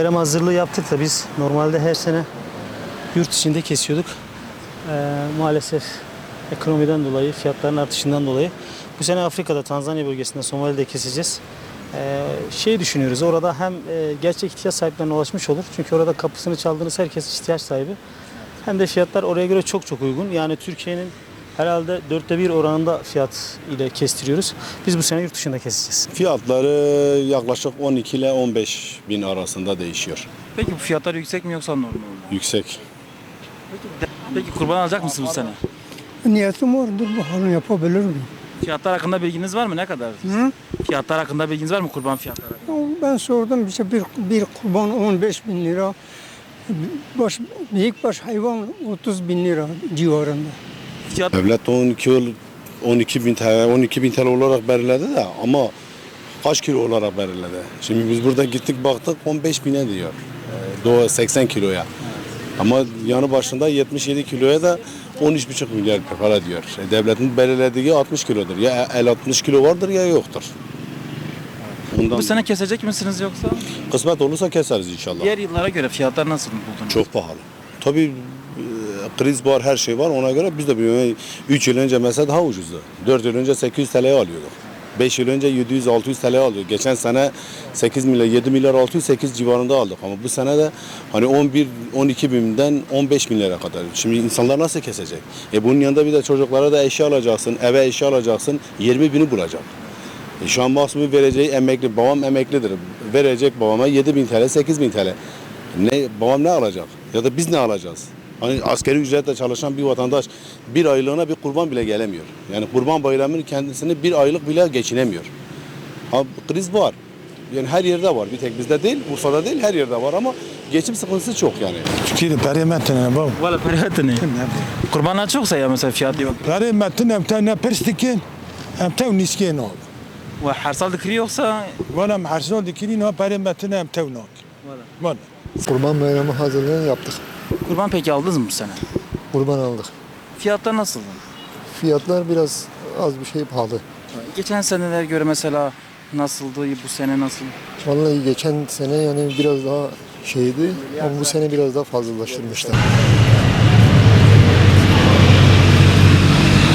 bayram hazırlığı yaptık da biz normalde her sene yurt içinde kesiyorduk. Maalesef ekonomiden dolayı, fiyatların artışından dolayı bu sene Afrika'da, Tanzanya bölgesinde, Somali'de keseceğiz. Düşünüyoruz, orada hem gerçek ihtiyaç sahiplerine ulaşmış olur. Çünkü orada kapısını çaldığınız herkes ihtiyaç sahibi. Hem de fiyatlar oraya göre çok çok uygun. Yani Türkiye'nin herhalde 1/4 oranında fiyat ile kestiriyoruz. Biz bu sene yurt dışında keseceğiz. Fiyatları yaklaşık 12 ile 15 bin arasında değişiyor. Peki bu fiyatlar yüksek mi yoksa normal mi? Yüksek. Peki kurban alacak mısın bu sene? Niyetim vardır, bakalım yapabilir miyim? Fiyatlar hakkında bilginiz var mı? Ne kadar? Hı? Fiyatlar hakkında bilginiz var mı kurban fiyatları? Ben sordum işte bir kurban 15 bin lira, büyükbaş hayvan 30 bin lira civarında. Fiyat Devlet 12 bin TL olarak belirledi de ama kaç kilo olarak belirledi? Şimdi biz burada gittik baktık 15 bine diyor. Doğu 80 kiloya. Ama yanı başında 77 kiloya da 13,5 milyar para diyor. Devletin belirlediği 60 kilodur. Ya 60 kilo vardır ya yoktur. Ondan bu sene kesecek misiniz yoksa? kısmet olursa keseriz inşallah. Diğer yıllara göre fiyatlar nasıl buldunuz? Çok pahalı. Tabii kriz var, her şey var. Ona göre biz de 3 yıl önce mesela daha ucuzdu. 4 yıl önce 800 TL'ye alıyorduk. 5 yıl önce 700-600 TL alıyorduk. Geçen sene 8 milyar, 7 milyar 608 civarında aldık. Ama bu sene de hani 12 binden 15 milyara kadar. Şimdi insanlar nasıl kesecek? Bunun yanında bir de çocuklara da eşya alacaksın, eve eşya alacaksın. 20 bini bulacak. Şu an mahsubu vereceği emekli, babam emeklidir. Verecek babama 7 bin TL, 8 bin TL. Babam ne alacak? Ya da biz ne alacağız? Hani asgari ücretle çalışan bir vatandaş bir aylığına bir kurban bile gelemiyor. Yani kurban bayramının kendisini bir aylık bile geçinemiyor. Kriz var. Yani her yerde var. Bir tek bizde değil, Urfa'da değil, her yerde var ama geçim sıkıntısı çok yani. Türkiye'de perimetine bak. Valla perihatını. Kurbanlar çoksa ya mesela fiyat yok. Perimetine hem tane perstikin hem tane nisken ol. Ve her sal dikri yoksa Valla mharson dikini no perimetine hem tane ol. Valla. Kurban Bayramı hazırlığını yaptık. kurban peki aldınız mı bu sene? Kurban aldık. Fiyatlar nasıldı? Fiyatlar biraz az bir şey pahalı. Geçen seneler göre mesela nasıldı, bu sene nasıl? Vallahi geçen sene yani biraz daha şeydi ama bu sene biraz daha fazlalaştırmışlar.